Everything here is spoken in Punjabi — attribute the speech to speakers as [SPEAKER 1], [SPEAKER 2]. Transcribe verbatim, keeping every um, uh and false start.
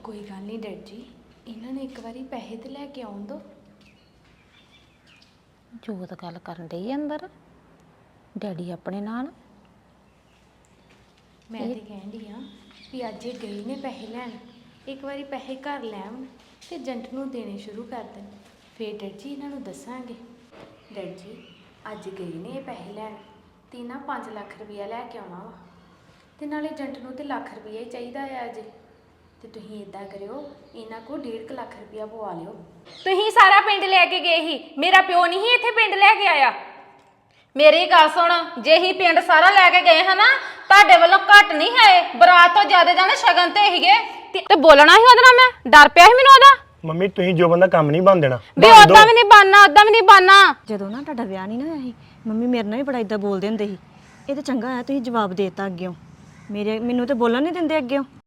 [SPEAKER 1] ਕੋਈ ਗੱਲ ਨਹੀਂ ਡੈਡ ਜੀ, ਇਹਨਾਂ ਨੇ ਇੱਕ ਵਾਰੀ ਪੈਸੇ ਤੇ ਲੈ ਕੇ ਆਉਣ ਦੋ।
[SPEAKER 2] ਜੋਤ ਗੱਲ ਕਰਨ ਡਈ ਅੰਦਰ ਡੈਡੀ ਆਪਣੇ ਨਾਲ।
[SPEAKER 1] ਮੈਂ ਤੇ ਕਹਿੰਦੀ ਆ ਵੀ ਅੱਜ ਇਹ ਗਏ ਨੇ ਪੈਸੇ ਲੈਣ, ਇੱਕ ਵਾਰੀ ਪੈਸੇ ਘਰ ਲੈ ਆਉਣ ਤੇ ਏਜੰਟ ਨੂੰ ਦੇਣੇ ਸ਼ੁਰੂ ਕਰ ਦੇਣ, ਫਿਰ ਡੈਡ ਜੀ ਇਹਨਾਂ ਨੂੰ ਦੱਸਾਂਗੇ। ਡੈਡ ਜੀ ਅੱਜ ਗਏ ਨੇ ਇਹ ਪੈਸੇ ਲੈਣ ਤੇ ਨਾ ਪੰਜ ਲੱਖ ਰੁਪਇਆ ਲੈ ਕੇ ਆਉਣਾ ਵਾ, ਤੇ ਨਾਲੇ ਏਜੰਟ ਨੂੰ ਤੇ ਲੱਖ ਰੁਪਇਆ ਹੀ ਚਾਹੀਦਾ ਆ ਅਜੇ। ਤੇ ਤੁਸੀਂ ਇਦਾਂ ਕਰਿਓ, ਇਹਨਾਂ ਕੋਲ ਡੇਢ ਕੁ ਲੱਖ ਰੁਪਇਆ ਪਵਾ ਲਿਓ।
[SPEAKER 3] ਤੁਸੀਂ ਸਾਰਾ ਪਿੰਡ ਲੈ ਕੇ ਗਏ ਸੀ, ਮੇਰਾ ਪਿਓ ਨਹੀਂ ਸੀ ਇੱਥੇ ਪਿੰਡ ਲੈ ਕੇ ਆਇਆ। ਮੇਰੀ ਗੱਲ ਸੁਣ, ਜੇ ਹੀ ਪਿੰਡ ਸਾਰਾ ਲੈ ਕੇ ਗਏ ਹਨਾ, ਤੁਹਾਡੇ ਵੱਲੋਂ ਘੱਟ ਨਹੀਂ ਹੈ, ਬਰਾਤ ਤੋਂ ਜ਼ਿਆਦਾ ਜਾਣੇ ਸ਼ਗਨ ਤੇ ਹੀਗੇ ਤੇ ਬੋਲਣਾ ਸੀ ਉਹਦੇ ਨਾਲ। ਮੈਂ ਡਰ ਪਿਆ ਸੀ ਮੈਨੂੰ ਉਹਦਾ।
[SPEAKER 4] ਮੰਮੀ ਤੁਸੀਂ ਜੋ ਬੰਦਾ ਕੰਮ ਨਹੀਂ ਬਣ ਦੇਣਾ
[SPEAKER 3] ਵੀ ਉਦਾਂ ਵੀ ਨਹੀਂ ਬਣਨਾ, ਉਦਾਂ ਵੀ ਨਹੀਂ ਬਣਨਾ।
[SPEAKER 5] ਜਦੋਂ ਨਾ ਤੁਹਾਡਾ ਵਿਆਹ ਨਹੀਂ ਨਾ ਹੋਇਆ ਸੀ, ਮੰਮੀ ਮੇਰੇ ਨਾਲ ਵੀ ਬੜਾ ਇਦਾਂ ਬੋਲਦੇ ਹੁੰਦੇ ਸੀ। ਇਹ ਤਾਂ ਚੰਗਾ ਆ ਤੁਸੀਂ ਜਵਾਬ ਦੇਤਾ ਅੱਗਿਓਂ, ਮੇਰੇ ਮੈਨੂੰ ਤਾਂ ਬੋਲਣ ਨਹੀਂ ਦਿੰਦੇ ਅੱਗਿਓਂ।